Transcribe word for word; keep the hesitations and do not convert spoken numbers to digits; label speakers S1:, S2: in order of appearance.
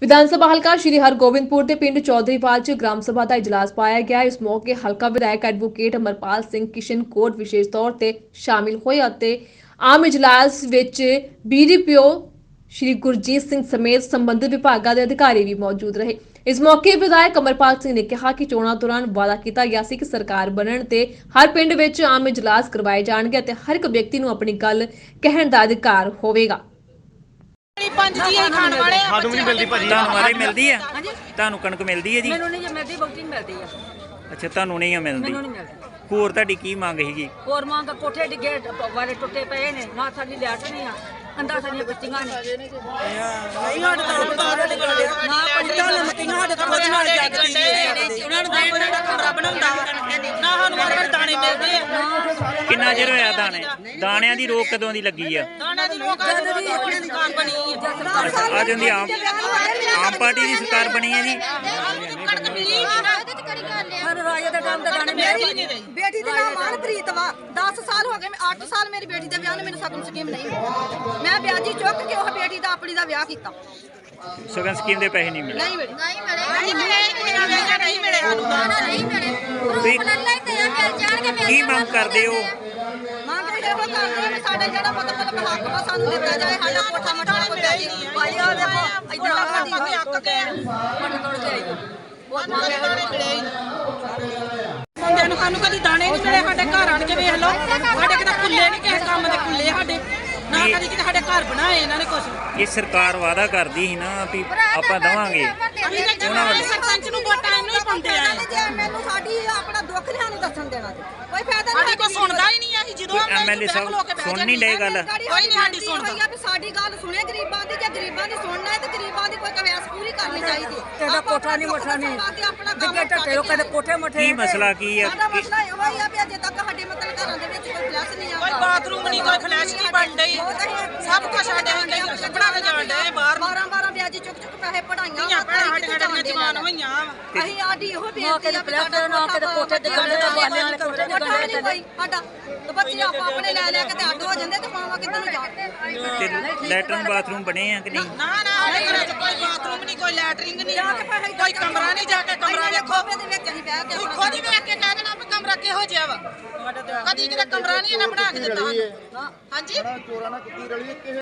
S1: ਵਿਧਾਨ ਸਭਾ ਹਲਕਾ ਸ਼੍ਰੀ ਹਰਗੋਬਿੰਦਪੁਰ ਦੇ ਪਿੰਡ ਚੌਧਰੀਵਾਲ 'ਚ ਗ੍ਰਾਮ ਸਭਾ ਦਾ ਇਜਲਾਸ ਪਾਇਆ ਗਿਆ। ਇਸ ਮੌਕੇ ਹਲਕਾ ਵਿਧਾਇਕ ਐਡਵੋਕੇਟ ਅਮਰਪਾਲ ਸਿੰਘ ਕਿਸ਼ਨਕੋਟ ਵਿਸ਼ੇਸ਼ ਤੌਰ ਤੇ ਸ਼ਾਮਿਲ ਹੋਏ ਅਤੇ ਆਮ ਇਜਲਾਸ ਵਿੱਚ ਬੀਡੀਪੀਓ ਸ਼੍ਰੀ ਗੁਰਜੀਤ ਸਿੰਘ ਸਮੇਤ ਸੰਬੰਧਿਤ ਵਿਭਾਗਾਂ ਦੇ ਅਧਿਕਾਰੀ ਵੀ ਮੌਜੂਦ ਰਹੇ। ਇਸ ਮੌਕੇ ਵਿਧਾਇਕ ਅਮਰਪਾਲ ਸਿੰਘ ਨੇ ਕਿਹਾ ਕਿ ਚੋਣਾਂ ਦੌਰਾਨ ਵਾਅਦਾ ਕੀਤਾ ਗਿਆ ਸੀ ਕਿ ਸਰਕਾਰ ਬਣਨ ਤੇ ਹਰ ਪਿੰਡ ਵਿੱਚ ਆਮ ਇਜਲਾਸ ਕਰਵਾਏ ਜਾਣਗੇ ਅਤੇ ਹਰ ਇੱਕ ਵਿਅਕਤੀ ਨੂੰ ਆਪਣੀ ਗੱਲ ਕਹਿਣ ਦਾ ਅਧਿਕਾਰ ਹੋਵੇਗਾ।
S2: ਪੰਜ ਜੀ ਇਹ ਖਾਣ ਵਾਲੇ ਆ
S3: ਸਾਨੂੰ ਵੀ ਨਹੀਂ ਮਿਲਦੀ ਭਾਜੀ।
S4: ਤੁਹਾਨੂੰ ਵਾਰੇ ਮਿਲਦੀ ਆ? ਤੁਹਾਨੂੰ ਕਣਕ ਮਿਲਦੀ ਹੈ ਜੀ?
S2: ਮੈਨੂੰ ਨਹੀਂ ਮਿਲਦੀ, ਬਹੁਤੀ ਨਹੀਂ ਮਿਲਦੀ ਆ।
S4: ਅੱਛਾ, ਤੁਹਾਨੂੰ ਨਹੀਂ ਆ ਮਿਲਦੀ।
S2: ਮੈਨੂੰ ਨਹੀਂ ਮਿਲਦੀ।
S4: ਹੋਰ ਤੁਹਾਡੀ ਕੀ ਮੰਗ ਹੈਗੀ?
S2: ਹੋਰ ਮੰਗ ਕੋਠੇ ਡਿੱਗੇ ਵਾਲੇ ਟੁੱਟੇ ਪਏ ਨੇ, ਨਾ ਸਾਡੀ ਲੈਟ ਨਹੀਂ ਆ, ਅੰਦਾ ਸਾਡੀਆਂ ਬੱਚੀਆਂ ਨੇ। ਨਹੀਂ ਸਾਡੇ ਤਾਂ ਬਾਹਰ ਨਿਕਲਦੇ ਨਾ ਪੰਡਤਾਂ ਨੇ ਮੱਤੀਆਂ ਸਾਡੇ ਤਾਂ ਉਹਦੇ ਨਾਲ ਜੱਗਦੀ ਨੇ। ਉਹਨਾਂ ਨੂੰ ਦੇਣ ਦਾ ਕਮਰਾ ਬਣਾਉਂਦਾ ਨਾ, ਸਾਨੂੰ ਵਾਰ ਦਾਣੇ ਮਿਲਦੇ ਆ।
S4: ਕਿੰਨਾ ਚਿਰ ਹੋਇਆ ਦਾਣੇ? ਦਾਣਿਆਂ ਦੀ ਰੋਕ ਕਦੋਂ ਦੀ ਲੱਗੀ ਆ?
S2: ਦਾਣਿਆਂ ਦੀ ਲੋਕ ਅੱਜ ਦੀ ਆਪਣੀ ਦੁਕਾਨ ਬਣੀ ਹੈ।
S4: ਅੱਜ ਹੁੰਦੀ ਆਮ ਆਮ ਪਾਰਟੀ ਦੀ ਸਰਕਾਰ ਬਣੀ ਹੈ ਜੀ।
S2: ਕਣਕ ਮਿਲੀ ਨਹੀਂ ਨਾ, ਇਹਦੇ ਚ ਕਰੀ ਗੱਲ ਆ। ਹਰ ਰਾਜੇ ਦਾ ਟਾਈਮ ਤਾਂ ਦਾਣੇ ਮਿਲਦੇ ਹੀ ਨਹੀਂ ਰਹੀ।
S5: ਬੇਟੀ ਦਾ ਨਾਮ ਮਨਪ੍ਰੀਤ ਵਾ। ਦਸ ਸਾਲ ਹੋ ਗਏ, ਮੈਂ ਅੱਠ ਸਾਲ ਮੇਰੀ ਬੇਟੀ ਦੇ ਵਿਆਹ ਨੂੰ ਮੈਨੂੰ ਸਗਨ ਸਕੀਮ ਨਹੀਂ ਮਿਲੀ। ਮੈਂ ਵਿਆਜੀ ਚੁੱਕ ਕੇ ਉਹ ਬੇਟੀ ਦਾ ਆਪਣੀ ਦਾ ਵਿਆਹ ਕੀਤਾ।
S4: ਸਗਨ ਸਕੀਮ ਦੇ ਪੈਸੇ ਨਹੀਂ ਮਿਲੇ?
S5: ਨਹੀਂ ਮਿਲੇ।
S2: ਨਹੀਂ ਮਿਲੇ ਨਹੀਂ ਮਿਲੇ ਨਹੀਂ ਮਿਲੇ ਸਾਨੂੰ
S5: ਨਹੀਂ ਮਿਲੇ।
S4: ਤੁਸੀਂ ਕੀ ਮੰਗ ਕਰਦੇ ਹੋ?
S5: ਮੰਗ ਇਹੋ ਕਰਦੇ ਆ ਵੀ ਸਾਡਾ ਜਿਹੜਾ ਮਤਲਬ ਹੱਕ ਵਾ ਸਾਨੂੰ ਦਿੱਤਾ ਜਾਏ। ਸਾਡਾ ਕੋਠਾ ਮਠਾ ਕੋਈ ਪਿਆਜੀ ਨਹੀਂ ਭਾਈ। ਆ ਦੇਖੋ ਇੱਧਰ ਆਪਾਂ ਵੀ ਹੱਕ ਕੇ ਮਨ ਤੋੜ ਕੇ ਆਈ ਬਹੁਤ ਮੰਗੇ ਦਾਣੇ ਮਿਲੇ ਮੁੰਡਿਆਂ ਨੂੰ। ਸਾਨੂੰ ਕਦੀ ਦਾਣੇ ਨਹੀਂ ਮਿਲੇ। ਸਾਡੇ ਘਰ ਆਣ ਕੇ ਵੇਖ ਲਓ, ਸਾਡੇ ਕਿਤੇ ਕੁੱਲੇ ਨਹੀਂ ਕਿਸੇ ਕੰਮ ਦੇ ਕੁੱਲੇ ਸਾਡੇ ਨਾ, ਕਦੀ ਕਿਤੇ ਸਾਡੇ ਘਰ ਬਣਾਏ ਇਹਨਾਂ ਨੇ ਕੁਛ।
S4: ਇਹ ਸਰਕਾਰ ਵਾਅਦਾ ਕਰਦੀ ਸੀ ਨਾ ਵੀ ਆਪਾਂ ਦਵਾਂਗੇ।
S5: ਉਹਨਾਂ ਵੱਲ ਸਰਪੰਚ ਨੂੰ ਵੋਟਾਂ ਇਹਨੂੰ ਹੀ ਪਾਉਂਦੇ ਆ। ਜੇ ਮੈਨੂੰ ਸਾਡੀ ਆਪਣਾ ਦੁੱਖ ਲਿਆ ਨੂੰ ਦੱਸਣ ਦੇਣਾ ਤੇ ਕੋਈ ਫਾਇਦਾ ਨਹੀਂ।
S2: ਸਾਡੀ ਕੋਈ ਸੁਣਦਾ ਹੀ ਨਹੀਂ। ਅਸੀਂ ਜਦੋਂ
S4: ਐਮਐਲਏ ਸਾਹਿਬ ਸੁਣ ਨਹੀਂ ਡਏ ਗੱਲ?
S5: ਕੋਈ ਨਹੀਂ ਸਾਡੀ ਸੁਣਦਾ ਵੀ ਸਾਡੀ ਗੱਲ ਸੁਣੇ ਗਰੀਬਾਂ ਦੀ। ਜੇ ਗਰੀਬਾਂ ਦੀ ਸੁਣਨਾ ਹੈ ਤੇ ਗਰੀਬਾਂ ਦੀ ਕੋਈ ਕਵਿਆਸ ਪੂਰੀ ਕਰਨੀ ਚਾਹੀਦੀ।
S2: ਤੇਰਾ ਕੋਠਾ ਨਹੀਂ ਮੋਠਾ ਨਹੀਂ ਦਿੱਗੇ ਟੱਟੇ ਉਹ ਕਦੇ ਕੋਠੇ ਮੋਠੇ।
S4: ਕੀ ਮਸਲਾ ਕੀ ਆ?
S5: ਸਾਡਾ ਮਸਲਾ ਇਹੋ ਹੀ ਆ ਵੀ ਅਜੇ ਤੱਕ ਸਾਡੇ ਮਤਲਬ ਘਰਾਂ ਦੇ ਵਿੱਚ ਕੋਈ ਫਲੈਸ਼ ਨਹੀਂ ਆਉਂਦਾ,
S2: ਕੋਈ ਬਾਥਰੂਮ ਨਹੀਂ, ਕੋਈ ਫਲੈਸ਼ ਨਹੀਂ ਬਣ ਡਈ। ਸਭ ਕੁਝ ਸਾਡੇ ਹੁੰਦੇ ਕੱਪੜਾ ਤੇ ਜਾਣ ਡਏ ਬਾਹਰ।
S5: ਬਾਰਾਂ ਬਾਰਾਂ ਵਿਆਜੀ ਚੁੱਕ ਚੁੱਕ ਪੈਸੇ ਪੜਾਈਆਂ
S2: ਧੀਆਂ ਭੈਣਾਂ ਸਾਡੇ ਸਾਡੇ ਜਵਾਨ ਹੋਈਆਂ ਵਾ।
S5: ਅਸੀਂ ਆਡੀ ਇਹੋ ਬੇਨਤੀ ਆ ਵੀ ਸਾਡਾ ਨਾ ਕਿਤੇ ਕੋਠੇ ਤੇ ਗੰਡੇ ਦਾ ਬਾਲੇ ਵਾਲੇ ਕੋਠੇ ਤੇ ਗੰਡੇ ਤੇ ਕੋਈ ਸਾਡਾ ਤੇ ਬੱਚੇ ਆਪਾਂ ਆਪਣੇ ਲੈ ਲੈ ਕੇ ਤੇ ਅੱਡ ਹੋ ਜਾਂਦੇ ਤੇ ਮਾਵਾ ਕਿੱਧਰ ਨੂੰ ਜਾਣ।
S4: ਤੇ ਲੈਟਰਨ ਬਾਥਰੂਮ ਬਣੇ ਆ ਕਿ ਨਹੀਂ?
S2: ਨਾ ਨਾ ਸਾਡੇ ਘਰਾਂ 'ਚ ਕੋਈ ਬਾਥਰੂਮ ਨਹੀਂ, ਕੋਈ ਲੈਟਰਿੰਗ ਨਹੀਂ, ਕੋਈ ਕਮਰਾ ਨਹੀਂ। ਜਾ ਕੇ ਕਮਰਾ ਵੇਖੋ,
S5: ਦੇ ਵਿੱਚ ਅਸੀਂ ਬਹਿ ਕੇ
S2: ਤੁਸੀਂ ਖੁਦ ਹੀ ਵੇਖ ਕੇ ਕਹਿ ਦੇਣਾ ਵੀ ਕਮਰਾ ਕਿਹੋ ਜਿਹਾ ਵਾ। ਕਦੀ ਕਿਤੇ ਕਮਰਾ ਨਹੀਂ ਇਹਨਾਂ ਬਣਾ ਕੇ ਦਿੱਤਾ। ਹਾਂਜੀ।